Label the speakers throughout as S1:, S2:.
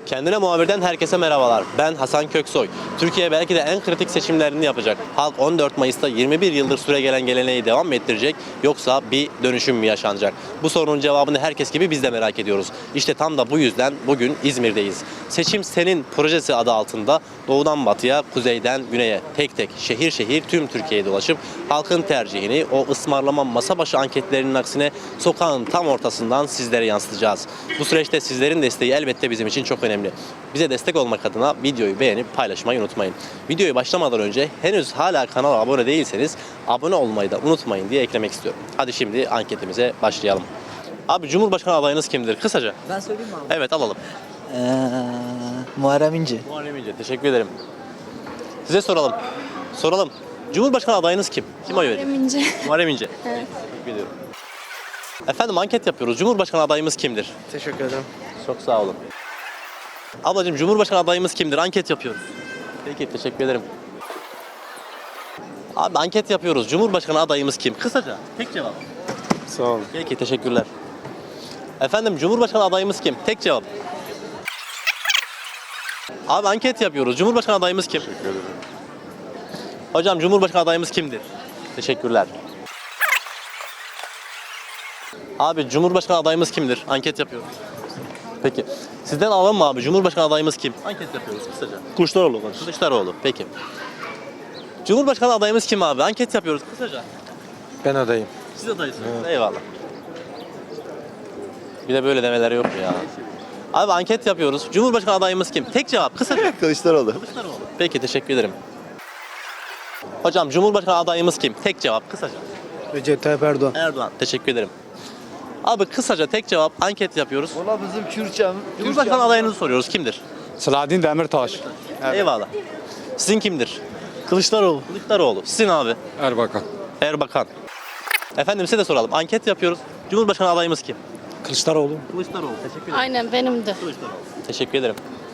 S1: Kendine muhabirden herkese merhabalar. Ben Hasan Köksoy. Türkiye belki de en kritik seçimlerini yapacak. Halk 14 Mayıs'ta 21 yıldır süregelen geleneği devam mı ettirecek yoksa bir dönüşüm mü yaşanacak? Bu sorunun cevabını herkes gibi biz de merak ediyoruz. İşte tam da bu yüzden bugün İzmir'deyiz. Seçim Senin projesi adı altında doğudan batıya, kuzeyden güneye tek tek şehir şehir tüm Türkiye'ye dolaşıp halkın tercihini o ısmarlama masa başı anketlerinin aksine sokağın tam ortasından sizlere yansıtacağız. Bu süreçte sizlerin desteği elbette bizim için çok önemli. Bize destek olmak adına videoyu beğenip paylaşmayı unutmayın. Videoyu başlamadan önce henüz hala kanala abone değilseniz abone olmayı da unutmayın diye eklemek istiyorum. Hadi şimdi anketimize başlayalım. Abi Cumhurbaşkanı adayınız kimdir? Kısaca.
S2: Ben söyleyeyim mi abi?
S1: Evet alalım.
S2: Muharrem İnce.
S1: Muharrem İnce. Teşekkür ederim. Size soralım. Soralım. Cumhurbaşkanı adayınız kim? Kim oy veriyor?
S3: Muharrem İnce.
S1: Muharrem İnce.
S3: Evet.
S1: Teşekkür ediyorum. Efendim anket yapıyoruz. Cumhurbaşkanı adayımız kimdir?
S2: Teşekkür ederim.
S1: Çok sağ olun. Ablacığım Cumhurbaşkanı adayımız kimdir? Anket yapıyoruz. Peki teşekkür ederim. Abi anket yapıyoruz. Cumhurbaşkanı adayımız kim? Kısaca. Tek cevap.
S4: Sağ olun.
S1: Peki teşekkürler. Efendim Cumhurbaşkanı adayımız kim? Tek cevap. Abi anket yapıyoruz. Cumhurbaşkanı adayımız kim?
S4: Teşekkür ederim.
S1: Hocam Cumhurbaşkanı adayımız kimdir? Teşekkürler. Abi Cumhurbaşkanı adayımız kimdir? Anket yapıyoruz. Peki. Sizden alalım mı abi? Cumhurbaşkanı adayımız kim? Anket yapıyoruz kısaca.
S4: Kılıçdaroğlu kardeşim.
S1: Kılıçdaroğlu. Peki. Cumhurbaşkanı adayımız kim abi? Anket yapıyoruz kısaca.
S4: Ben adayım.
S1: Siz adaysınız. Eyvallah. Bir de böyle demeler yok ya. Abi anket yapıyoruz. Cumhurbaşkanı adayımız kim? Tek cevap kısaca.
S4: Kılıçdaroğlu.
S1: Kılıçdaroğlu. Peki teşekkür ederim. Hocam Cumhurbaşkanı adayımız kim? Tek cevap kısaca.
S4: Recep Tayyip Erdoğan.
S1: Erdoğan. Teşekkür ederim. Abi kısaca tek cevap anket yapıyoruz.
S4: Valla bizim Kürtçem.
S1: Cumhurbaşkanı adayınızı soruyoruz. Kimdir?
S4: Selahattin Demirtaş.
S1: Eyvallah. Sizin kimdir?
S4: Kılıçdaroğlu.
S1: Kılıçdaroğlu. Sizin abi?
S4: Erbakan.
S1: Erbakan. Efendim size de soralım. Anket yapıyoruz. Cumhurbaşkanı adayımız kim?
S4: Kılıçdaroğlu.
S1: Kılıçdaroğlu. Teşekkür ederim.
S3: Aynen benim de.
S1: Kılıçdaroğlu. Teşekkür ederim.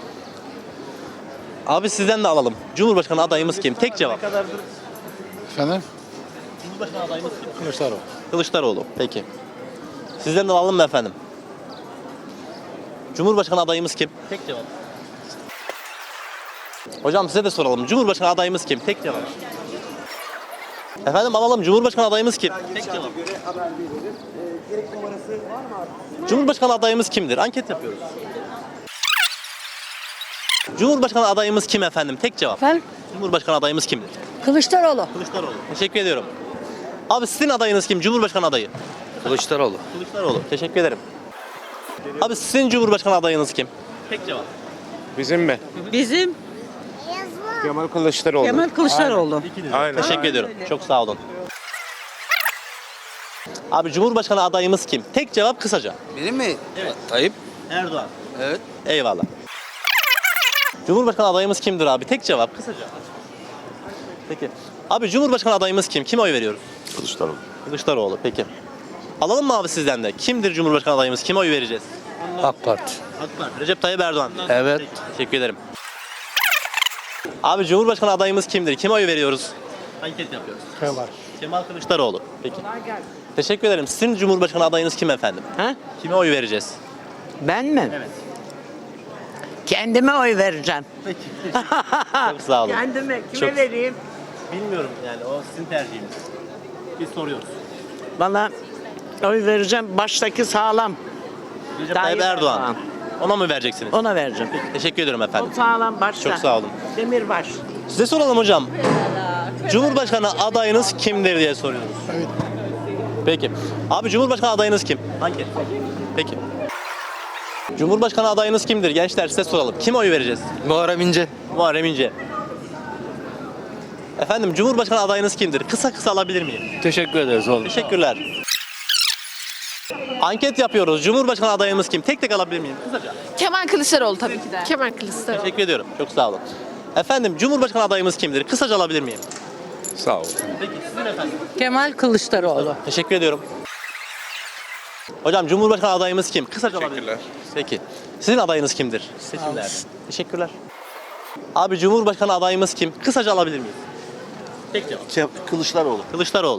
S1: Abi sizden de alalım. Cumhurbaşkanı adayımız kim? Tek cevap.
S4: Efendim?
S1: Cumhurbaşkanı adayımız kim?
S4: Kılıçdaroğlu.
S1: Kılıçdaroğlu. Peki. Sizden de alalım mı efendim? Cumhurbaşkanı adayımız kim? Tek cevap. Hocam size de soralım. Cumhurbaşkanı adayımız kim? Tek cevap. Efendim alalım. Cumhurbaşkanı adayımız kim? Tek cevap. Cumhurbaşkanı adayımız kimdir? Anket yapıyoruz. Cumhurbaşkanı adayımız kim efendim? Tek cevap.
S5: Efendim?
S1: Cumhurbaşkanı adayımız kimdir?
S5: Kılıçdaroğlu.
S1: Kılıçdaroğlu. Teşekkür ediyorum. Abi sizin adayınız kim? Cumhurbaşkanı adayı.
S4: Kılıçdaroğlu.
S1: Kılıçdaroğlu. Teşekkür ederim. Abi sizin Cumhurbaşkanı adayınız kim? Tek cevap.
S4: Bizim mi?
S5: Bizim
S4: Kemal Kılıçdaroğlu.
S5: Kemal Kılıçdaroğlu.
S4: Aynen.
S1: Teşekkür ediyorum. Çok sağ olun. Abi Cumhurbaşkanı adayımız kim? Tek cevap kısaca.
S2: Benim mi?
S1: Evet.
S2: Tayyip.
S1: Erdoğan.
S2: Evet.
S1: Eyvallah. Cumhurbaşkanı adayımız kimdir abi? Tek cevap kısaca. Peki. Abi Cumhurbaşkanı adayımız kim? Kime oy veriyoruz?
S4: Kılıçdaroğlu.
S1: Kılıçdaroğlu. Peki. Alalım mı abi sizden de? Kimdir Cumhurbaşkanı adayımız? Kime oy vereceğiz?
S4: AK Parti.
S1: AK Parti. Recep Tayyip Erdoğan.
S4: Evet.
S1: Peki, teşekkür ederim. Abi Cumhurbaşkanı adayımız kimdir? Kime oy veriyoruz? Anket yapıyoruz.
S4: Kemal.
S1: Kemal Kılıçdaroğlu. Peki. Teşekkür ederim. Sizin Cumhurbaşkanı adayınız kim efendim?
S6: Ha?
S1: Kime oy vereceğiz?
S6: Ben mi?
S1: Evet.
S6: Kendime oy vereceğim.
S1: Peki. Çok sağ olun.
S6: Kendime kime
S1: Çok-
S6: vereyim?
S1: Bilmiyorum yani o sizin tercihiniz. Biz soruyoruz.
S6: Bana oy vereceğim. Baştaki sağlam.
S1: Recep
S6: Tayyip
S1: Tayyip Erdoğan.
S6: Erdoğan.
S1: Ona mı vereceksiniz?
S6: Ona vereceğim.
S1: Teşekkür ederim
S6: O
S1: efendim.
S6: sağlam başta.
S1: Çok sağ olun.
S6: Demirbaş.
S1: Size soralım hocam. Cumhurbaşkanı adayınız kimdir diye soruyoruz. Evet. Peki. Abi Cumhurbaşkanı adayınız kim? Hangi? Peki. Cumhurbaşkanı adayınız kimdir? Gençler size soralım. Kime oy vereceğiz?
S2: Muharrem İnce.
S1: Muharrem İnce. Efendim Cumhurbaşkanı adayınız kimdir? Kısa kısa alabilir miyim?
S4: Teşekkür ederiz oğlum.
S1: Teşekkürler. Anket yapıyoruz. Cumhurbaşkanı adayımız kim? Tek tek alabilir miyim? Kısaca.
S3: Kemal Kılıçdaroğlu tabii ki de. Kemal Kılıçdaroğlu.
S1: Teşekkür ediyorum. Çok sağ olun. Efendim Cumhurbaşkanı adayımız kimdir? Kısaca alabilir miyim?
S4: Sağ ol.
S1: Peki sizin efendim?
S5: Kemal Kılıçdaroğlu.
S1: Teşekkür ediyorum. Hocam Cumhurbaşkanı adayımız kim? Kısaca alabilir miyim? Peki. Sizin adayınız kimdir? Seçimlerde. Teşekkürler. Abi Cumhurbaşkanı adayımız kim? Kısaca alabilir miyim? Tek cevap.
S4: Kılıçdaroğlu.
S1: Kılıçdaroğlu.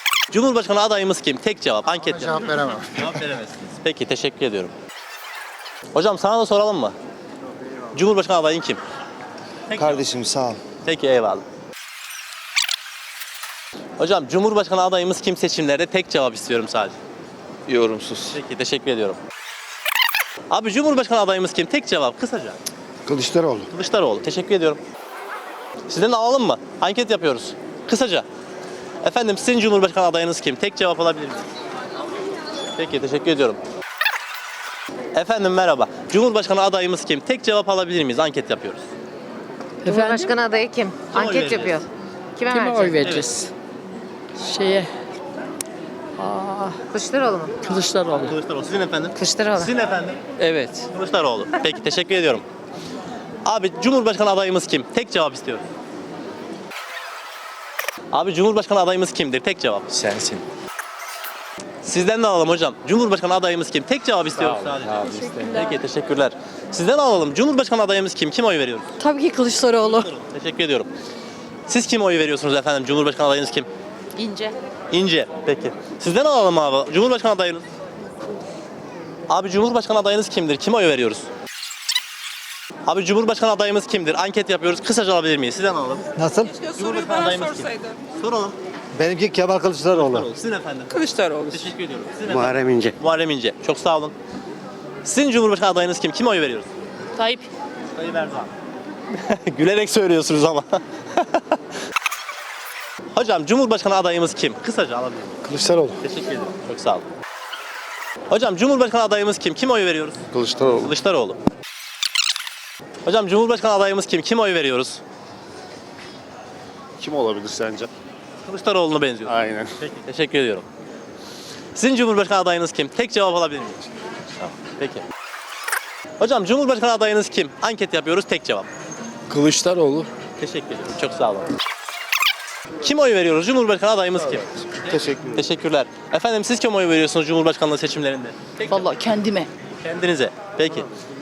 S1: Cumhurbaşkanı adayımız kim? Tek cevap. Anket
S4: Cevap veremem.
S1: Cevap veremezsiniz. Peki teşekkür ediyorum. Hocam sana da soralım mı? Cumhurbaşkanı adayın kim?
S2: Kardeşim sağ ol.
S1: Peki eyvallah. Hocam Cumhurbaşkanı adayımız kim seçimlerde? Tek cevap istiyorum sadece.
S2: Yorumsuz.
S1: Peki teşekkür ediyorum. Abi Cumhurbaşkanı adayımız kim? Tek cevap kısaca.
S2: Kılıçdaroğlu.
S1: Kılıçdaroğlu. Teşekkür ediyorum. Sizden de alalım mı? Anket yapıyoruz. Kısaca. Efendim sizin Cumhurbaşkanı adayınız kim? Tek cevap alabilir miyim? Peki teşekkür ediyorum. Efendim merhaba. Cumhurbaşkanı adayımız kim? Tek cevap alabilir miyiz? Anket yapıyoruz.
S7: Cumhurbaşkanı adayı kim?
S1: oy
S7: Anket
S1: vereceğiz?
S7: yapıyor. Kime
S3: Kime
S7: verecek?
S3: oy vereceğiz? Şeye,
S7: Kılıçdaroğlu mu?
S3: Kılıçdaroğlu.
S1: Kılıçdaroğlu. Sizin efendim?
S7: Kılıçdaroğlu.
S1: Sizin efendim?
S3: Evet.
S1: Kılıçdaroğlu. Peki teşekkür ediyorum. Abi Cumhurbaşkanı adayımız kim? Tek cevap istiyorum. Abi Cumhurbaşkanı adayımız kimdir? Tek cevap.
S4: Sensin.
S1: Sizden de alalım hocam. Cumhurbaşkanı adayımız kim? Tek cevap istiyoruz sadece. Peki teşekkürler. Sizden alalım. Cumhurbaşkanı adayımız kim? Kim oy veriyoruz?
S3: Tabii ki Kılıçdaroğlu.
S1: Teşekkür ediyorum. Siz kim oy veriyorsunuz efendim? Cumhurbaşkanı adayınız kim?
S7: İnce.
S1: İnce. Peki. Sizden alalım abi. Cumhurbaşkanı adayınız. Abi Cumhurbaşkanı adayınız kimdir? Kime oy veriyoruz? Abi Cumhurbaşkanı adayımız kimdir? Anket yapıyoruz. Kısaca alabilir miyiz? Sizden alalım.
S2: Nasıl?
S1: Cumhurbaşkanı adayımız kim? Soralım.
S2: Benimki Kemal Kılıçdaroğlu.
S1: Sizin efendim.
S3: Kılıçdaroğlu.
S1: Teşekkür ediyorum. Sizin efendim.
S2: Muharrem İnce.
S1: Muharrem İnce. Çok sağ olun. Sizin Cumhurbaşkanı adayınız kim? Kime oy veriyoruz?
S3: Tayyip.
S1: Tayyip Erdoğan. Gülerek söylüyorsunuz ama. Hocam Cumhurbaşkanı adayımız kim? Kısaca alabilir miyim?
S2: Kılıçdaroğlu.
S1: Teşekkür ederim. Çok sağ olun. Hocam Cumhurbaşkanı adayımız kim? Kime oy veriyoruz?
S2: Kılıçdaroğlu.
S1: Kılıçdaroğlu. Hocam Cumhurbaşkanı adayımız kim? Kime oy veriyoruz?
S2: Kim olabilir sence?
S1: Kılıçdaroğlu'na benziyor.
S2: Aynen.
S1: Peki, teşekkür ediyorum. Sizin Cumhurbaşkanı adayınız kim? Tek cevap alabilir miyim? Tamam, peki. Hocam Cumhurbaşkanı adayınız kim? Anket yapıyoruz, tek cevap.
S4: Kılıçdaroğlu.
S1: Teşekkür ederim, çok sağ olun. Kim oy veriyoruz? Cumhurbaşkanı adayımız kim?
S2: Teşekkür ederim.
S1: Teşekkürler. Efendim siz kim oy veriyorsunuz Cumhurbaşkanlığı seçimlerinde? Tek cevap.
S3: Vallahi kendime.
S1: Kendinize. Peki.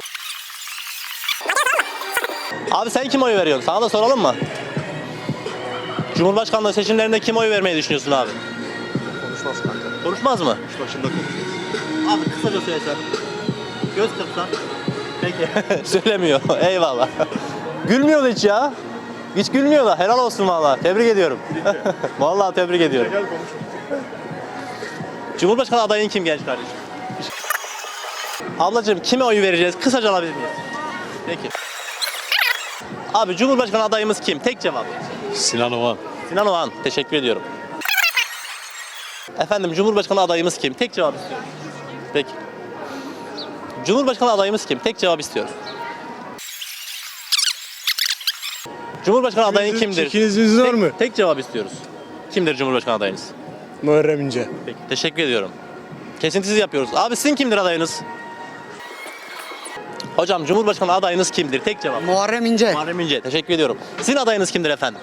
S1: Abi sen kim oy veriyorsun? Sana da soralım mı? Cumhurbaşkanlığı seçimlerinde kim oy vermeyi düşünüyorsun abi?
S2: Konuşmaz kanka.
S1: Konuşmaz mı?
S2: Başında konuşuyoruz.
S1: Abi kısaca söylesen. Göz kırpsan. Peki. Söylemiyor. Eyvallah. Gülmüyor da hiç ya. Hiç gülmüyor da. Helal olsun vallahi. Tebrik ediyorum. Vallahi tebrik ediyorum. Cumhurbaşkanı adayın kim genç kardeşim? Ablacığım kime oy vereceğiz? Kısaca alabilir miyiz? Peki. Abi Cumhurbaşkanı adayımız kim? Tek cevap.
S4: Sinan Oğan.
S1: Sinan Oğan. Teşekkür ediyorum. Efendim Cumhurbaşkanı adayımız kim? Tek cevap istiyorum. Peki. Cumhurbaşkanı adayımız kim? Tek cevap istiyoruz. Cumhurbaşkanı adayın kimdir?
S2: Çekiniziniz var mı?
S1: Tek cevap istiyoruz. Kimdir Cumhurbaşkanı adayınız?
S2: Muharrem İnce.
S1: Peki. Teşekkür ediyorum. Kesintisiz yapıyoruz. Abi sizin kimdir adayınız? Hocam Cumhurbaşkanı adayınız kimdir? Tek cevap.
S5: Muharrem İnce.
S1: Muharrem İnce. Teşekkür ediyorum. Sizin adayınız kimdir efendim?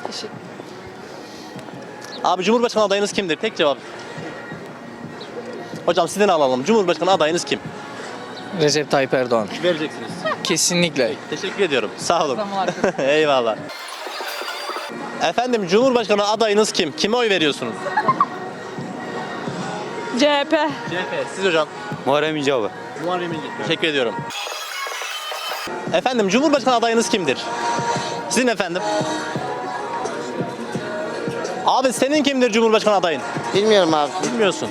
S1: Abi Cumhurbaşkanı adayınız kimdir? Tek cevap. Hocam sizden alalım. Cumhurbaşkanı adayınız kim?
S8: Recep Tayyip Erdoğan.
S1: Vereceksiniz.
S8: Kesinlikle.
S1: Teşekkür ediyorum. Sağ olun. Eyvallah. Efendim Cumhurbaşkanı adayınız kim? Kime oy veriyorsunuz?
S3: CHP.
S1: CHP. Siz hocam?
S4: Muharrem İnce abi.
S1: Muharrem İnce. Teşekkür ediyorum. Efendim Cumhurbaşkanı adayınız kimdir? Sizin efendim? Abi senin kimdir Cumhurbaşkanı adayın?
S6: Bilmiyorum abi.
S1: Bilmiyorsun.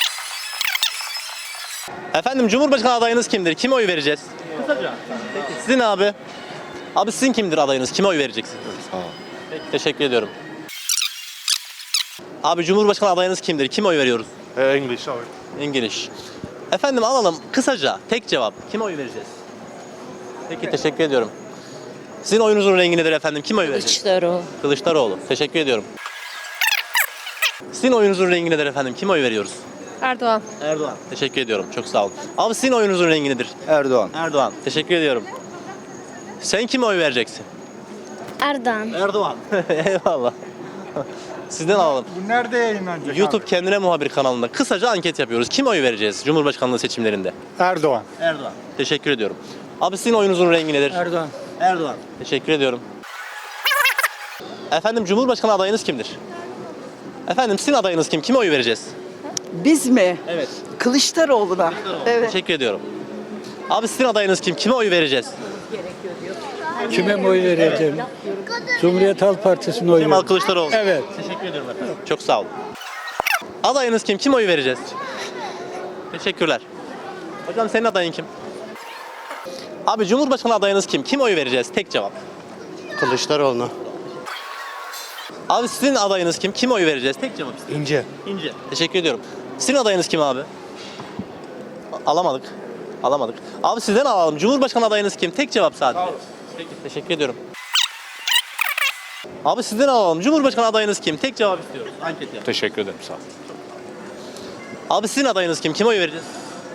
S1: Efendim Cumhurbaşkanı adayınız kimdir? Kime oy vereceğiz? Kısaca. Peki. Sizin abi? Abi sizin kimdir adayınız? Kime oy vereceksiniz? Sağ ol. Peki, teşekkür ediyorum. Abi Cumhurbaşkanı adayınız kimdir? Kime oy veriyoruz?
S2: English abi.
S1: İngiliz. Efendim alalım kısaca tek cevap. Kime oy vereceğiz? Peki teşekkür ediyorum. Sizin oyunuzun rengi nedir efendim? Kime oy vereceğiz?
S3: Kılıçdaroğlu.
S1: Kılıçdaroğlu. Teşekkür ediyorum. Sizin oyunuzun rengi nedir efendim? Kime oy veriyoruz?
S3: Erdoğan.
S1: Erdoğan. Teşekkür ediyorum. Çok sağ olun. Abi sizin oyunuzun rengi nedir?
S2: Erdoğan.
S1: Erdoğan. Teşekkür ediyorum. Sen kime oy vereceksin?
S9: Erdoğan.
S1: Erdoğan. Eyvallah. Sizden alalım.
S2: Bu nerede yayınlanacak
S1: YouTube Kendine Muhabir kanalında kısaca anket yapıyoruz. Kime oy vereceğiz Cumhurbaşkanlığı seçimlerinde?
S2: Erdoğan.
S1: Erdoğan. Teşekkür ediyorum. Abi sizin oyunuzun rengi nedir?
S8: Erdoğan.
S1: Erdoğan. Teşekkür ediyorum. Efendim Cumhurbaşkanı adayınız kimdir? Efendim sizin adayınız kim? Kime oy vereceğiz?
S5: Biz mi?
S1: Evet.
S5: Kılıçdaroğlu'na. Evet.
S1: Teşekkür ediyorum. Abi sizin adayınız kim? Kime oy vereceğiz?
S2: Kime mi oy vereceğim? Cumhuriyet Halk Partisi'ne oy
S1: Kemal Kılıçdaroğlu.
S2: Evet.
S1: Teşekkür ediyorum efendim. Çok sağ olun. Adayınız kim? Kime oy vereceğiz? Teşekkürler. Hocam senin adayın kim? Abi Cumhurbaşkanı adayınız kim? Kime oy vereceğiz? Tek cevap.
S2: Kılıçdaroğlu.
S1: Abi sizin adayınız kim? Kime oy vereceğiz? Tek cevap istiyorum.
S2: İnce.
S1: İnce. Teşekkür ediyorum. Sizin adayınız kim abi? Alamadık. Alamadık. Abi sizden alalım. Cumhurbaşkanı adayınız kim? Tek cevap sadece. Peki teşekkür ediyorum. Abi sizden alalım. Cumhurbaşkanı adayınız kim? Tek cevap istiyoruz. Anket yap.
S4: Teşekkür ederim sağ ol.
S1: Abi sizin adayınız kim? Kime oy vereceğiz?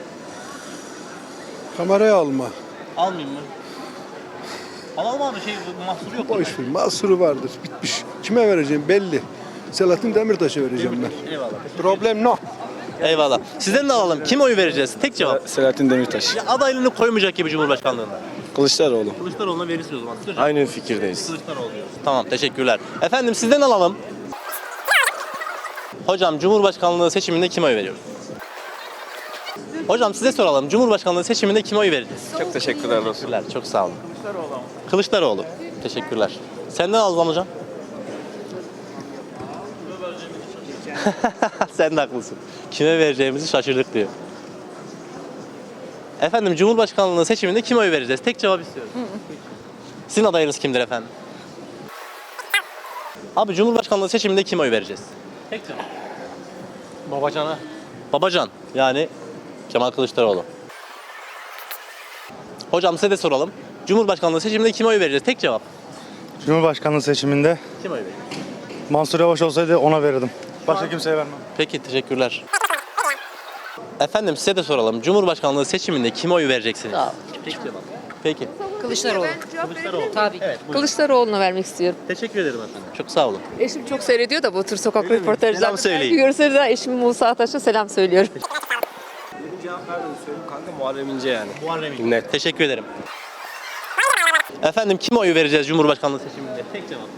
S2: Kameraya alma.
S1: Almayayım mı? Alalım abi mahsuru yok.
S2: Boş ver. Mahsuru vardır. Bitmiş. Kime vereceğim belli. Selahattin Demirtaş'a vereceğim ben.
S1: Eyvallah.
S2: Problem no.
S1: Eyvallah. Sizden de alalım. Kime oy vereceğiz? Tek cevap.
S4: Selahattin Demirtaş.
S1: Ya adaylığını koymayacak gibi Cumhurbaşkanlığında.
S4: Kılıçdaroğlu.
S1: Kılıçdaroğlu'na verirsin o zaman.
S4: Aynı fikirdeyiz.
S1: Kılıçdaroğlu diyoruz. Tamam teşekkürler. Efendim sizden alalım. Hocam Cumhurbaşkanlığı seçiminde kime oy veriyoruz? Hocam size soralım. Cumhurbaşkanlığı seçiminde kime oy vereceğiz?
S4: Çok teşekkürler dostum.
S1: Teşekkürler. Çok sağ olun. Kılıçdaroğlu. Teşekkürler. Senden alalım hocam. Sen de haklısın. Kime vereceğimizi şaşırdık diyor. Efendim Cumhurbaşkanlığı seçiminde kime oy vereceğiz? Tek cevap istiyoruz. Sizin adayınız kimdir efendim? Abi Cumhurbaşkanlığı seçiminde kime oy vereceğiz? Tek cevap.
S4: Babacan'a.
S1: Babacan yani Kemal Kılıçdaroğlu. Hocam size de soralım. Cumhurbaşkanlığı seçiminde kime oy vereceğiz? Tek cevap.
S2: Cumhurbaşkanlığı seçiminde
S1: Kime oy vereceğiz?
S2: Mansur Yavaş olsaydı ona verirdim. Başka kimseye vermem.
S1: Peki teşekkürler. Efendim size de soralım. Cumhurbaşkanlığı seçiminde kime oy vereceksiniz? Tek cevap. Peki.
S5: Kılıçdaroğlu.
S1: Kılıçdaroğlu.
S5: Tabii.
S1: Evet, buyurun.
S5: Kılıçdaroğlu'na vermek istiyorum.
S1: Teşekkür ederim efendim. Çok sağ olun.
S5: Eşim çok seyrediyor da bu tür sokak
S1: Öyle mi?
S5: röportajlarını.
S1: Selam söyleyin.
S5: Görürseniz de eşim Musa Ataş'a selam söylüyorum.
S4: Muharrem İnce yani.
S1: Muharrem İnce. Net. Teşekkür ederim. Efendim kime oy vereceğiz Cumhurbaşkanlığı seçiminde? Tek cevap.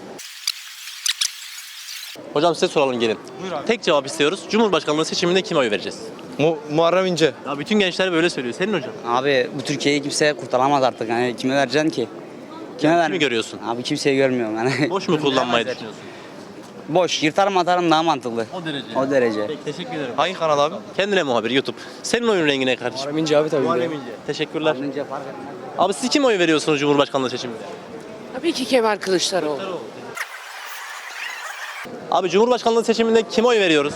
S1: Hocam size soralım gelin. Tek cevap istiyoruz. Cumhurbaşkanlığı seçiminde kime oy vereceğiz?
S4: Muharrem İnce.
S1: Ya bütün gençler böyle söylüyor. Senin hocam.
S10: Abi bu Türkiye'yi kimse kurtaramaz artık. Yani kime vereceksin ki? Kime
S1: Kimi görüyorsun?
S10: Abi kimseyi görmüyorum yani.
S1: Boş mu kullanmayı düşünüyorsun?
S10: Boş. Yırtarım atarım daha mantıklı.
S1: O derece.
S10: O derece.
S1: Peki, teşekkür ederim.
S4: Hangi kanal abi?
S1: Kendine muhabir YouTube. Senin oyun rengi ne kardeşim?
S4: Muharrem İnce abi tabii.
S1: Muharrem İnce. Teşekkürler.
S10: Önce fark etmez.
S1: Abi siz kime oy veriyorsunuz Cumhurbaşkanlığı seçiminde?
S5: Tabii ki Kemal Kılıçdaroğlu.
S1: Abi Cumhurbaşkanlığı seçiminde kime oy veriyoruz?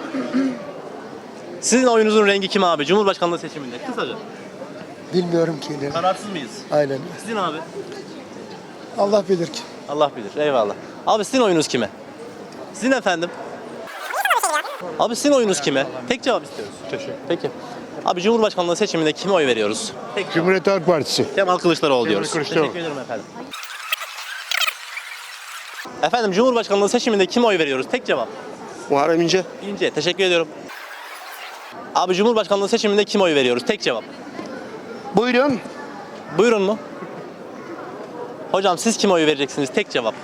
S1: Sizin oyunuzun rengi kim abi? Cumhurbaşkanlığı seçiminde. Kısaca.
S2: Bilmiyorum ki ne.
S1: Kararsız mıyız?
S2: Aynen.
S1: Sizin abi?
S2: Allah bilir ki.
S1: Allah bilir. Eyvallah. Abi sizin oyunuz kime? Sizin efendim? Abi sizin oyunuz kime? Tek cevap istiyoruz. Teşekkür. Peki. Abi Cumhurbaşkanlığı seçiminde kime oy veriyoruz?
S2: Cumhuriyet Halk Partisi.
S1: Kemal Kılıçdaroğlu diyoruz.
S2: Kılıçdaroğlu.
S1: Teşekkür ederim efendim. Efendim Cumhurbaşkanlığı seçiminde kime oy veriyoruz? Tek cevap.
S2: Muharrem İnce.
S1: İnce. Teşekkür ediyorum. Abi Cumhurbaşkanlığı seçiminde kime oy veriyoruz? Tek cevap.
S2: Buyurun.
S1: Buyurun mu? Hocam siz kime oy vereceksiniz? Tek cevap.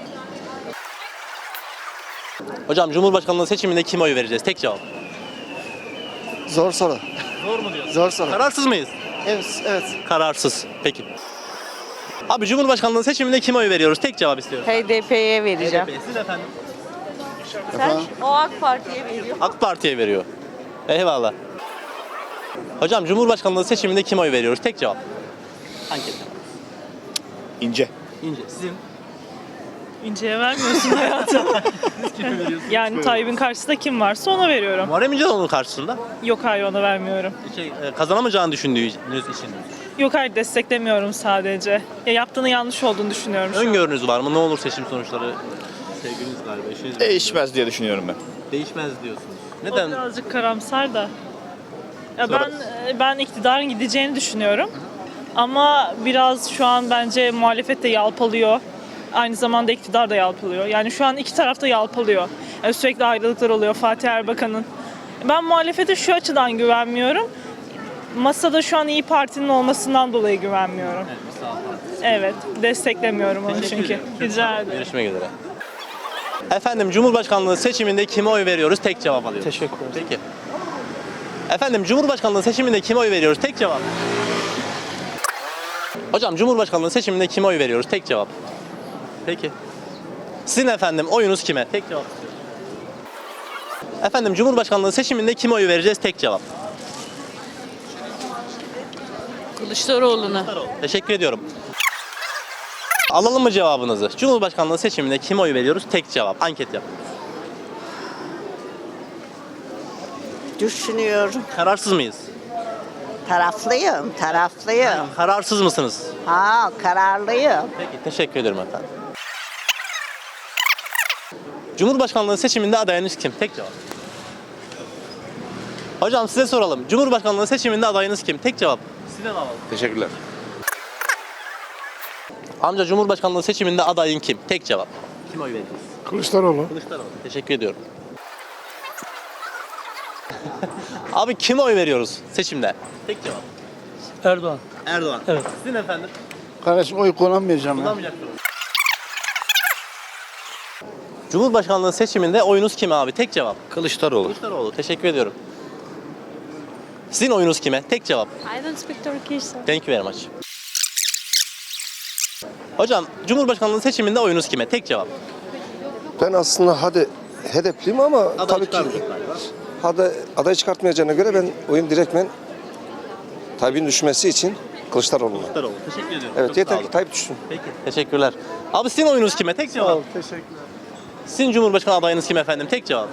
S1: Hocam Cumhurbaşkanlığı seçiminde kime oy vereceğiz? Tek cevap.
S2: Zor soru.
S1: Zor mu diyorsun?
S2: Zor soru.
S1: Kararsız mıyız?
S2: Evet. Evet.
S1: Kararsız. Peki. Abi Cumhurbaşkanlığı seçiminde kime oy veriyoruz? Tek cevap istiyoruz.
S5: HDP'ye vereceğim.
S1: Siz efendim?
S5: O AK Parti'ye veriyor.
S1: AK Parti'ye veriyor. Eyvallah. Hocam Cumhurbaşkanlığı seçiminde kime oy veriyoruz? Tek cevap. Anket.
S4: İnce.
S1: İnce. Sizin?
S3: İnce'ye vermiyorsun hayatım. Yani Tayyip'in karşısında kim varsa ona veriyorum.
S1: Muharrem İnce de onun karşısında.
S3: Yok hayır ona vermiyorum.
S1: Kazanamayacağını düşündüğünüz için.
S3: Yok hayır desteklemiyorum sadece. Ya yaptığının yanlış olduğunu düşünüyorum şu an.
S1: Öngörünüz var mı? Ne olur seçim sonuçları? Sevgiliniz galiba, eşiniz.
S4: Değişmez diye düşünüyorum ben.
S1: Değişmez diyorsunuz.
S3: O
S1: Neden?
S3: birazcık karamsar da. Ya
S1: Sonra-
S3: ben iktidarın gideceğini düşünüyorum. Ama biraz şu an bence muhalefet de yalpalıyor. Aynı zamanda iktidar da yalpalıyor. Yani şu an iki taraf da yalpalıyor. Yani sürekli ayrılıklar oluyor Fatih Erbakan'ın. Ben muhalefete şu açıdan güvenmiyorum. Masada şu an İyi Parti'nin olmasından dolayı güvenmiyorum. Evet, desteklemiyorum onu
S1: Teşekkür
S3: çünkü.
S1: ederim.
S3: Rica ederim.
S1: Görüşmek üzere. Efendim Cumhurbaşkanlığı seçiminde kime oy veriyoruz? Tek cevap alıyoruz.
S2: Teşekkür ederim.
S1: Peki. Efendim Cumhurbaşkanlığı seçiminde kime oy veriyoruz? Tek cevap. Hocam Cumhurbaşkanlığı seçiminde kime oy veriyoruz? Tek cevap. Peki. Sizin efendim oyunuz kime? Tek cevap. Efendim Cumhurbaşkanlığı seçiminde kime oy vereceğiz? Tek cevap.
S5: Kılıçdaroğlu'na.
S1: Teşekkür ediyorum. Alalım mı cevabınızı? Cumhurbaşkanlığı seçiminde kime oy veriyoruz? Tek cevap. Anket yap.
S6: Düşünüyorum.
S1: Kararsız mıyız?
S6: Taraflıyım.
S1: Kararsız mısınız?
S6: Ha, kararlıyım.
S1: Peki teşekkür ederim efendim. Cumhurbaşkanlığı seçiminde adayınız kim? Tek cevap. Hocam size soralım. Cumhurbaşkanlığı seçiminde adayınız kim? Tek cevap. Size alalım.
S4: Teşekkürler.
S1: Amca Cumhurbaşkanlığı seçiminde adayın kim? Tek cevap. Kim oy vereceğiz?
S2: Kılıçdaroğlu.
S1: Kılıçdaroğlu. Teşekkür ediyorum. Abi kime oy veriyoruz seçimde? Tek cevap.
S8: Erdoğan.
S1: Erdoğan.
S8: Evet.
S1: Sizin efendim?
S2: Kardeşim oy kullanmayacağım ya.
S1: Kullanmayacaksınız. Cumhurbaşkanlığı seçiminde oyunuz kime abi? Tek cevap.
S4: Kılıçdaroğlu.
S1: Kılıçdaroğlu. Teşekkür ediyorum. Sizin oyunuz kime? Tek cevap.
S9: I don't speak Turkish.
S1: Thank you very much. Hocam Cumhurbaşkanlığı seçiminde oyunuz kime? Tek cevap.
S11: Ben aslında HDP'liyim ama
S1: Aday
S11: tabii ki
S1: çıkarmayacak galiba.
S11: aday çıkartmayacağına göre ben oyun direktmen Tayyip'in düşmesi için Kılıçdaroğlu'na.
S1: Kılıçdaroğlu. Teşekkür ediyorum.
S11: Evet
S1: Çok
S11: yeter
S1: sağ
S11: ki
S1: olun.
S11: Tayyip düşsün.
S1: Peki. Teşekkürler. Abi sizin oyunuz kime? Tek cevap.
S2: Teşekkürler.
S1: Sizin Cumhurbaşkanı adayınız kim efendim? Tek cevap.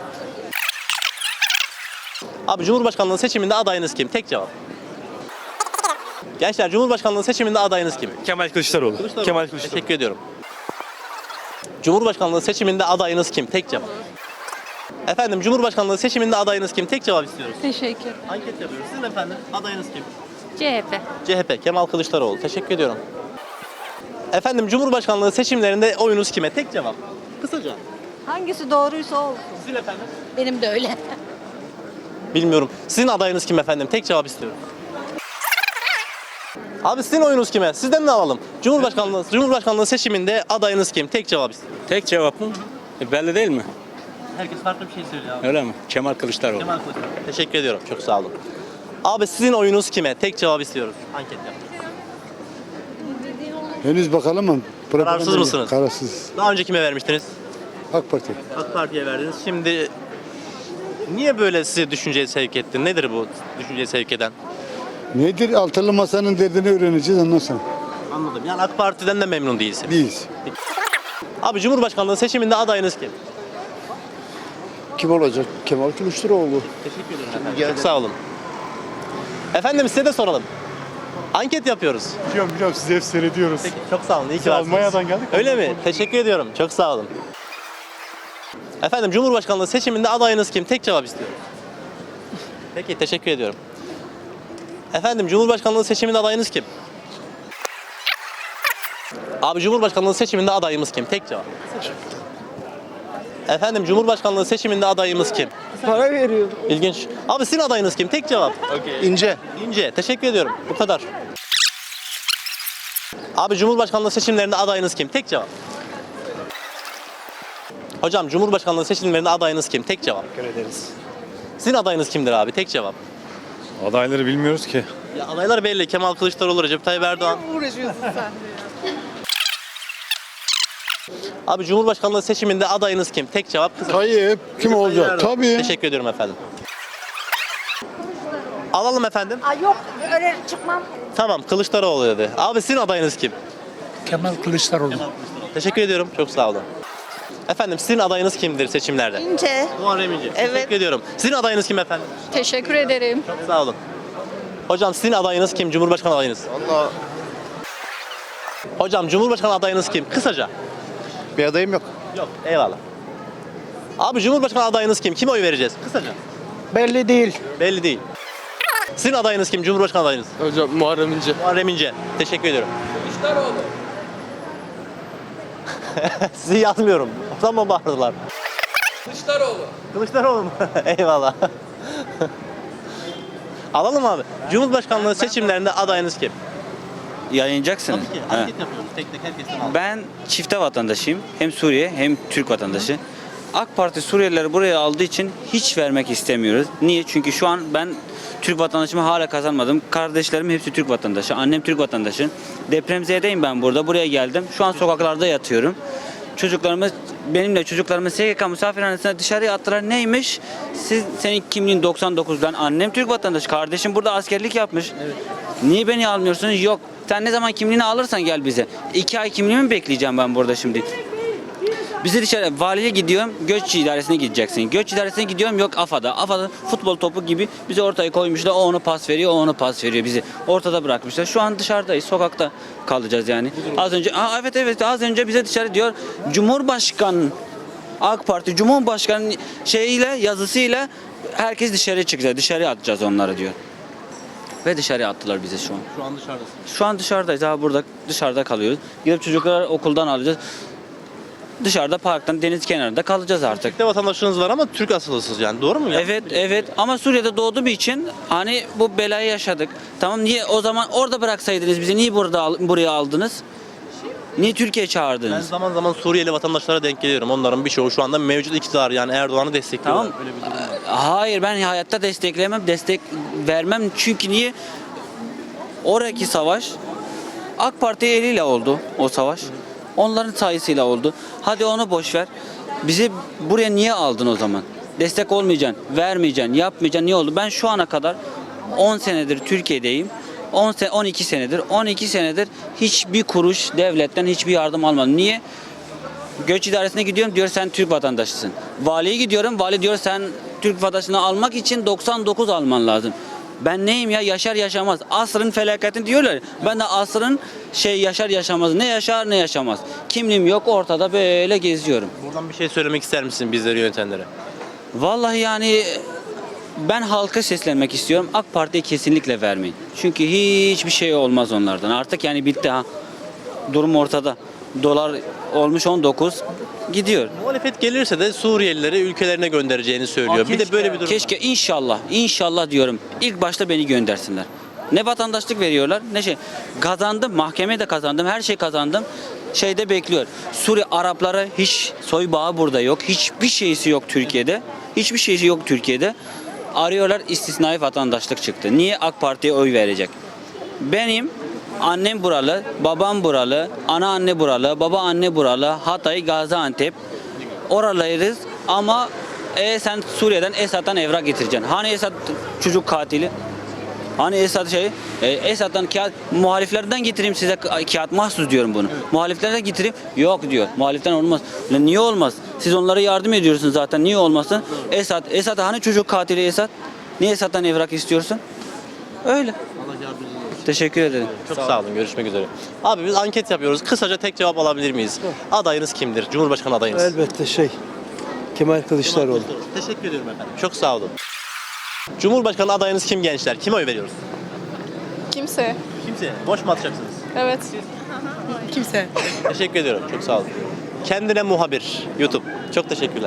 S1: Abi Cumhurbaşkanlığı seçiminde adayınız kim? Tek cevap. Gençler Cumhurbaşkanlığı seçiminde adayınız kim?
S4: Kemal Kılıçdaroğlu. Kemal Kılıçdaroğlu.
S1: Teşekkür ediyorum. Cumhurbaşkanlığı seçiminde adayınız kim? Tek cevap. Efendim Cumhurbaşkanlığı seçiminde adayınız kim? Tek cevap istiyoruz.
S7: Teşekkür.
S1: Anket yapıyoruz. Sizin efendim adayınız kim?
S7: CHP.
S1: CHP Kemal Kılıçdaroğlu. Teşekkür ediyorum. Efendim Cumhurbaşkanlığı seçimlerinde oyunuz kime? Tek cevap. Kısaca.
S5: Hangisi doğruysa olsun.
S1: Sizin efendim?
S7: Benim de öyle.
S1: Bilmiyorum. Sizin adayınız kim efendim? Tek cevap istiyorum. Abi sizin oyunuz kime? Sizden ne alalım? Cumhurbaşkanlığı seçiminde adayınız kim? Tek cevap istiyorum.
S8: Tek cevap mı? Belli değil mi?
S1: Herkes farklı bir şey söylüyor abi.
S8: Öyle mi? Kemal Kılıçdaroğlu.
S1: Kemal Kılıçdaroğlu. Teşekkür ediyorum. Çok sağ olun. Abi sizin oyunuz kime? Tek cevap istiyoruz. Anket yap.
S2: Henüz bakalım mı?
S1: Kararsız mısınız?
S2: Kararsız.
S1: Daha önce kime vermiştiniz?
S2: AK Parti.
S1: AK Parti'ye verdiniz. Şimdi niye böyle sizi düşünceye sevk etti? Nedir bu düşünceye sevk eden?
S2: Nedir? Altılı masanın derdini öğreneceğiz ondan sonra.
S1: Anladım. Yani AK Parti'den de memnun değilsin.
S2: Biz.
S1: Abi Cumhurbaşkanlığı seçiminde adayınız kim?
S2: Kim olacak? Kemal Kılıçdaroğlu.
S1: Teşekkür ederim efendim. Çok sağ olun. Efendim size de soralım. Anket yapıyoruz.
S2: Biliyorum sizi hep seyrediyoruz.
S1: Peki, çok sağ olun. İyi ki varsınız.
S2: Almanya'dan geldik.
S1: Öyle mi? Teşekkür ediyorum. Çok sağ olun. Efendim Cumhurbaşkanlığı seçiminde adayınız kim? Tek cevap istiyorum. Peki teşekkür ediyorum. Efendim Cumhurbaşkanlığı seçiminde adayınız kim? Abi Cumhurbaşkanlığı seçiminde adayımız kim? Tek cevap. Efendim Cumhurbaşkanlığı seçiminde adayımız kim?
S6: Para veriyorum.
S1: İlginç. Abi sizin adayınız kim? Tek cevap.
S11: İnce.
S1: İnce. Teşekkür ediyorum. Bu kadar. Abi Cumhurbaşkanlığı seçimlerinde adayınız kim? Tek cevap. Hocam Cumhurbaşkanlığı seçimlerinde adayınız kim? Tek cevap.
S4: Teşekkür ederiz.
S1: Sizin adayınız kimdir abi? Tek cevap.
S4: Adayları bilmiyoruz ki.
S1: Ya adaylar belli. Kemal Kılıçdaroğlu, Recep Tayyip Erdoğan.
S5: Uğraşıyorsun sen.
S1: Abi Cumhurbaşkanlığı seçiminde adayınız kim? Tek cevap. Kısa.
S2: Tayyip. Kim olacak? Tabii.
S1: Teşekkür ediyorum efendim. Alalım efendim.
S7: Yok öyle çıkmam.
S1: Tamam Kılıçdaroğlu dedi. Abi sizin adayınız kim?
S8: Kemal Kılıçdaroğlu.
S1: Teşekkür ediyorum. Çok sağ olun. Efendim sizin adayınız kimdir seçimlerde?
S5: İnce.
S1: Muharrem İnce.
S5: Evet.
S1: Teşekkür ediyorum. Sizin adayınız kim efendim?
S7: Teşekkür ederim.
S1: Çok sağ olun. Hocam sizin adayınız kim? Cumhurbaşkanı adayınız.
S11: Vallahi
S1: Hocam Cumhurbaşkanı adayınız kim? Kısaca.
S11: bir adayım yok.
S1: Yok. Eyvallah. Abi Cumhurbaşkanı adayınız kim? Kime oy vereceğiz? Kısaca.
S8: Belli değil.
S1: Belli değil. Sizin adayınız kim? Cumhurbaşkanı adayınız.
S8: Hocam Muharrem İnce.
S1: Muharrem İnce. Teşekkür ediyorum. Kılıçdaroğlu. Sizi yazmıyorum. O zaman bağırdılar.
S8: Kılıçdaroğlu.
S1: Kılıçdaroğlu mu? Eyvallah. Alalım abi. Cumhurbaşkanlığı seçimlerinde adayınız kim?
S10: Yayınlayacaksın.
S1: Tabii ki. Anket yapıyoruz. Tek tek herkesten alalım.
S10: Ben çifte vatandaşıyım. Hem Suriye hem Türk vatandaşı. AK Parti Suriyelileri buraya aldığı için hiç vermek istemiyoruz. Niye? Çünkü şu an ben Türk vatandaşımı hala kazanmadım. Kardeşlerim hepsi Türk vatandaşı. Annem Türk vatandaşı. Depremzedeyim ben burada. Buraya geldim. Şu an sokaklarda yatıyorum. Benimle çocuklarımı SGK misafirhanesine dışarıya attılar. Neymiş? Senin kimliğin 99'dan. Annem Türk vatandaşı. Kardeşim burada askerlik yapmış. Niye beni almıyorsunuz? Yok. Sen ne zaman kimliğini alırsan gel bize. 2 ay kimliğimi mi bekleyeceğim ben burada şimdi? Bizi dışarı valiye gidiyorum, göç idaresine gideceksin. Göç idaresine gidiyorum, yok AFA'da. AFA'da futbol topu gibi bizi ortaya koymuşlar. O onu pas veriyor, o onu pas veriyor. Bizi ortada bırakmışlar. Şu an dışarıdayız, sokakta kalacağız yani. Az önce, evet az önce bize dışarı diyor. Cumhurbaşkanı, AK Parti Cumhurbaşkanı şeyiyle, yazısıyla herkes dışarı çıkacak. Dışarı atacağız onları diyor. Ve dışarı attılar bizi şu an.
S1: Şu an dışarıdasın.
S10: Şu an dışarıdayız. Burada dışarıda kalıyoruz. Gidip çocukları okuldan alacağız. Dışarıda parktan deniz kenarında kalacağız artık.
S1: Türk'te vatandaşınız var ama Türk asıllısınız yani, doğru mu?
S10: Evet ama Suriye'de doğduğum için hani bu belayı yaşadık. Tamam, niye o zaman orada bıraksaydınız bizi, niye buraya aldınız? Niye Türkiye'ye
S1: Ben
S10: çağırdınız?
S1: zaman zaman Suriyeli vatandaşlara denk geliyorum. Onların birçoğu şu anda mevcut iktidar, yani Erdoğan'ı destekliyorlar.
S10: Tamam.
S1: Öyle bir durum var.
S10: Hayır, ben hayatta destek vermem. Çünkü niye? Oradaki savaş AK Parti eliyle oldu o savaş. Onların sayısıyla oldu. Hadi onu boş ver. Bizi buraya niye aldın o zaman? Destek olmayacaksın, vermeyeceksin, yapmayacaksın. Niye oldu? Ben şu ana kadar 10 senedir Türkiye'deyim. 12 senedir hiçbir kuruş devletten hiçbir yardım almadım. Niye? Göç idaresine gidiyorum, diyor sen Türk vatandaşısın. Valiye gidiyorum, vali diyor sen Türk vatandaşını almak için 99 alman lazım. Ben neyim ya, yaşar yaşamaz. Asrın felaketi diyorlar. Ben de asrın yaşar yaşamaz. Ne yaşar ne yaşamaz. Kimliğim yok, ortada böyle geziyorum.
S1: Buradan bir şey söylemek ister misin bizleri yönetenlere?
S10: Vallahi yani ben halka seslenmek istiyorum. AK Parti'ye kesinlikle vermeyin. Çünkü hiçbir şey olmaz onlardan. Artık yani bitti ha. Durum ortada. Dolar olmuş 19 gidiyor.
S1: Muhalefet gelirse de Suriyelileri ülkelerine göndereceğini söylüyor. Bir de böyle bir durum
S10: Keşke
S1: var.
S10: inşallah diyorum. İlk başta beni göndersinler. Ne vatandaşlık veriyorlar ne şey. Kazandım, mahkemede kazandım, her şey kazandım. Şeyde bekliyor. Suriye Araplara hiç soy bağı burada yok. Hiçbir şeysi yok Türkiye'de. Hiçbir şeysi yok Türkiye'de. Arıyorlar, istisnai vatandaşlık çıktı. Niye AK Parti'ye oy verecek? Benim annem buralı, babam buralı, ana anne buralı, baba anne buralı, Hatay, Gaziantep. Oralarız ama sen Suriye'den Esad'dan evrak getireceksin. Hani Esad çocuk katili? Hani Esad Esad'dan kağıt, muhaliflerden getireyim size kağıt, mahsus diyorum bunu. Muhaliflerden getireyim, yok diyor. Muhaliften olmaz. Niye olmaz? Siz onlara yardım ediyorsunuz zaten, niye olmasın? Esad hani çocuk katili Esad? Niye Esad'dan evrak istiyorsun? Öyle. Teşekkür ederim.
S1: Çok sağ olun. Görüşmek üzere. Abi biz anket yapıyoruz. Kısaca tek cevap alabilir miyiz? Adayınız kimdir? Cumhurbaşkanı adayınız.
S2: Elbette Kemal Kılıçdaroğlu.
S1: Teşekkür ediyorum efendim. Çok sağ olun. Cumhurbaşkanı adayınız kim gençler? Kime oy veriyoruz?
S3: Kimse.
S1: Kimse. Boş mu atacaksınız?
S3: Evet. Kimse.
S1: Teşekkür ediyorum. Çok sağ olun. Kendine muhabir. YouTube. Çok teşekkürler.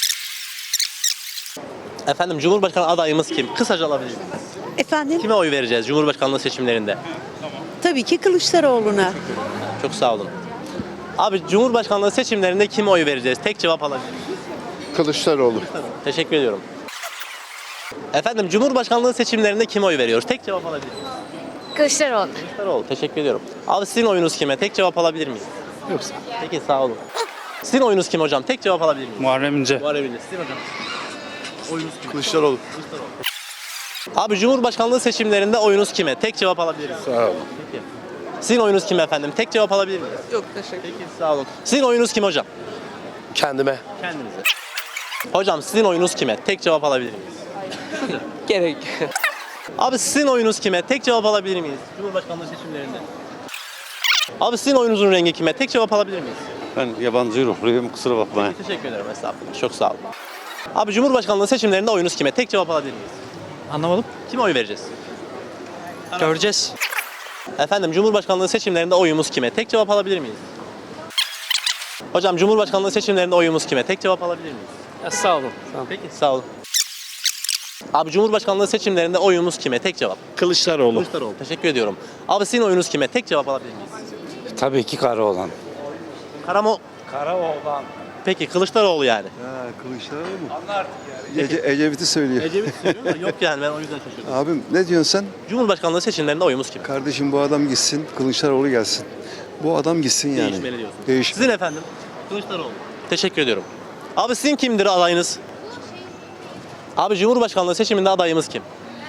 S1: Efendim Cumhurbaşkanı adayımız kim? Kısaca alabilir miyiz?
S6: Efendim?
S1: Kime oy vereceğiz Cumhurbaşkanlığı seçimlerinde?
S6: Tabii ki Kılıçdaroğlu'na.
S1: Çok sağ olun. Abi Cumhurbaşkanlığı seçimlerinde kime oy vereceğiz? Tek cevap alabilir miyiz?
S2: Kılıçdaroğlu.
S1: Teşekkür ediyorum. Efendim Cumhurbaşkanlığı seçimlerinde kime oy veriyoruz? Tek cevap alabilir miyiz?
S7: Kılıçdaroğlu.
S1: Kılıçdaroğlu. Teşekkür ediyorum. Abi sizin oyunuz kime? Tek cevap alabilir miyiz?
S2: Yoksa.
S1: Peki sağ olun. Sizin oyunuz kim hocam? Tek cevap alabilir miyiz?
S4: Muharrem İnce.
S1: Muharrem İnce. Sizin hocam? Oyunuz kim?
S2: Kılıçdaroğlu.
S1: Abi Cumhurbaşkanlığı seçimlerinde oyunuz kime? Tek cevap alabilir miyiz?
S2: Sağ olun.
S1: Peki. Sizin oyunuz kim efendim? Tek cevap alabilir miyiz?
S6: Yok teşekkür.
S1: Peki sağ olun. Sizin oyunuz kim hocam?
S2: Kendime.
S1: Kendinize. Hocam sizin oyunuz kime? Tek cevap alabilir miyiz?
S6: Gerek.
S1: Abi sizin oyunuz kime? Tek cevap alabilir miyiz? Cumhurbaşkanlığı seçimlerinde. Abi sizin oyunuzun rengi kime? Tek cevap alabilir miyiz?
S4: Ben yabancı ruhluyum, kusura bakmayın.
S1: Teşekkür ederim estağfurullah. Çok sağ olun. Abi Cumhurbaşkanlığı seçimlerinde oyunuz kime? Tek cevap alabilir miyiz?
S8: Anlamadım.
S1: Kime oy vereceğiz?
S8: Göreceğiz.
S1: Efendim Cumhurbaşkanlığı seçimlerinde oyumuz kime? Tek cevap alabilir miyiz? Hocam Cumhurbaşkanlığı seçimlerinde oyumuz kime? Tek cevap alabilir miyiz?
S8: Sağ olun.
S1: Peki sağ olun. Abi Cumhurbaşkanlığı seçimlerinde oyumuz kime? Tek cevap.
S4: Kılıçdaroğlu.
S1: Kılıçdaroğlu. Teşekkür ediyorum. Abi sizin oyunuz kime? Tek cevap alabilir miyiz?
S4: Tabii ki Karaoğlan.
S1: Karamoğlan. Peki Kılıçdaroğlu yani.
S2: Ha, Kılıçdaroğlu mu? Ecevit'i söylüyor.
S1: Ecevit söylüyor ama yok yani ben o yüzden şaşırdım.
S2: Abim ne diyorsun sen?
S1: Cumhurbaşkanlığı seçimlerinde oyumuz kim?
S2: Kardeşim bu adam gitsin, Kılıçdaroğlu gelsin. Bu adam gitsin yani.
S1: Değişmeli diyorsun.
S2: Değiş.
S1: Sizin efendim? Kılıçdaroğlu. Teşekkür ediyorum. Abi sizin kimdir adayınız? Abi Cumhurbaşkanlığı seçiminde adayımız kim?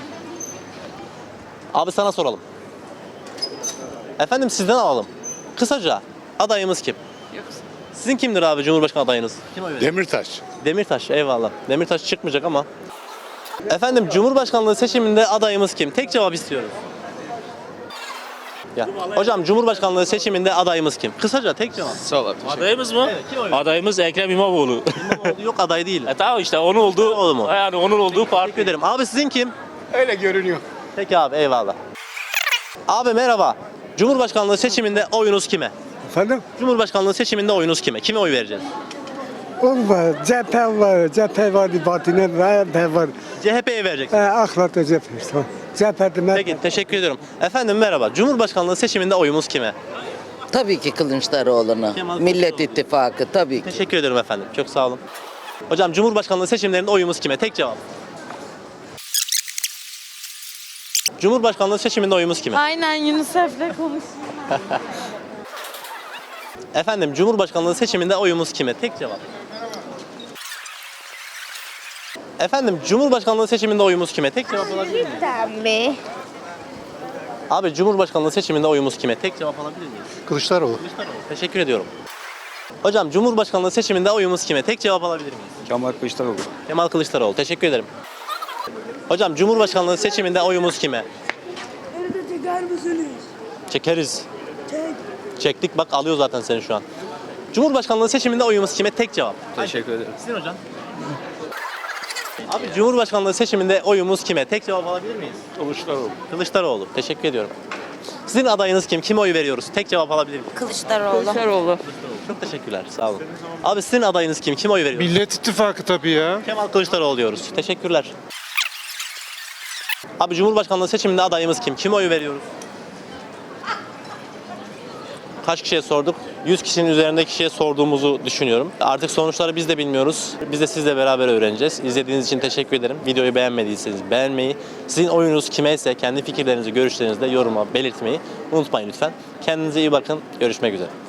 S1: Abi sana soralım. Efendim sizden alalım. Kısaca adayımız kim? Sizin kimdir abi Cumhurbaşkanı adayınız? Kim oy verir?
S4: Demirtaş.
S1: Demirtaş eyvallah. Demirtaş çıkmayacak ama. Efendim Cumhurbaşkanlığı seçiminde adayımız kim? Tek cevap istiyoruz. Ya. Hocam Cumhurbaşkanlığı seçiminde adayımız kim? Kısaca tek cevap.
S4: Sağ ol abi.
S8: Adayımız mı?
S1: Evet, kim oy verir?
S8: Adayımız Ekrem İmamoğlu.
S1: İmamoğlu yok aday değil.
S8: Tamam işte onun olduğu
S1: İmamoğlu mu?
S8: yani onun olduğu parti.
S1: Teşekkür ederim. Abi sizin kim?
S4: Öyle görünüyor.
S1: Peki abi eyvallah. Abi merhaba. Cumhurbaşkanlığı seçiminde oyunuz kime?
S2: Efendim?
S1: Cumhurbaşkanlığı seçiminde oyunuz kime? Kime oy vereceğiz?
S2: Var, cephe var, batine var.
S1: CHP'ye vereceksiniz.
S2: Aklatı cephe demek.
S1: Peki teşekkür ediyorum. Efendim merhaba. Cumhurbaşkanlığı seçiminde oyumuz kime?
S6: Tabii ki Kılıçdaroğlu'na.
S1: Kemal
S6: Millet
S1: Kılıçdaroğlu.
S6: İttifakı tabii ki.
S1: Teşekkür ederim efendim. Çok sağ olun. Hocam Cumhurbaşkanlığı seçimlerinde oyumuz kime? Tek cevap. Cumhurbaşkanlığı seçiminde oyumuz kime?
S3: Aynen UNICEF'le konuş.
S1: Efendim Cumhurbaşkanlığı seçiminde oyumuz kime? Tek cevap. Efendim Cumhurbaşkanlığı seçiminde oyumuz kime? Tek cevap alabilir miyiz?
S9: Tabii.
S1: Abi Cumhurbaşkanlığı seçiminde oyumuz kime? Tek cevap alabilir miyiz?
S2: Kılıçdaroğlu.
S1: Kılıçdaroğlu. Teşekkür ediyorum. Hocam Cumhurbaşkanlığı seçiminde oyumuz kime? Tek cevap alabilir miyiz?
S11: Kemal Kılıçdaroğlu.
S1: Kemal Kılıçdaroğlu. Teşekkür ederim. Hocam Cumhurbaşkanlığı seçiminde oyumuz kime? Çekeriz. Çektik bak alıyor zaten seni şu an. Cumhurbaşkanlığı seçiminde oyumuz kime? Tek cevap.
S11: Teşekkür ederim.
S1: Sizin hocam. Abi Cumhurbaşkanlığı seçiminde oyumuz kime? Tek cevap alabilir miyiz?
S4: Kılıçdaroğlu.
S1: Kılıçdaroğlu. Teşekkür ediyorum. Sizin adayınız kim? Kime oy veriyoruz? Tek cevap alabilir miyiz?
S6: Kılıçdaroğlu.
S1: Çok teşekkürler. Sağ olun. Abi sizin adayınız kim? Kime oy veriyoruz?
S2: Millet İttifakı tabii ya.
S1: Kemal Kılıçdaroğlu diyoruz. Teşekkürler. Abi Cumhurbaşkanlığı seçiminde adayımız kim? Kime oy veriyoruz? Kaç kişiye sorduk? 100 kişinin üzerinde kişiye sorduğumuzu düşünüyorum. Artık sonuçları biz de bilmiyoruz. Biz de sizle beraber öğreneceğiz. İzlediğiniz için teşekkür ederim. Videoyu beğenmediyseniz beğenmeyi, sizin oyunuz kime ise kendi fikirlerinizi, görüşlerinizi de yoruma belirtmeyi unutmayın lütfen. Kendinize iyi bakın. Görüşmek üzere.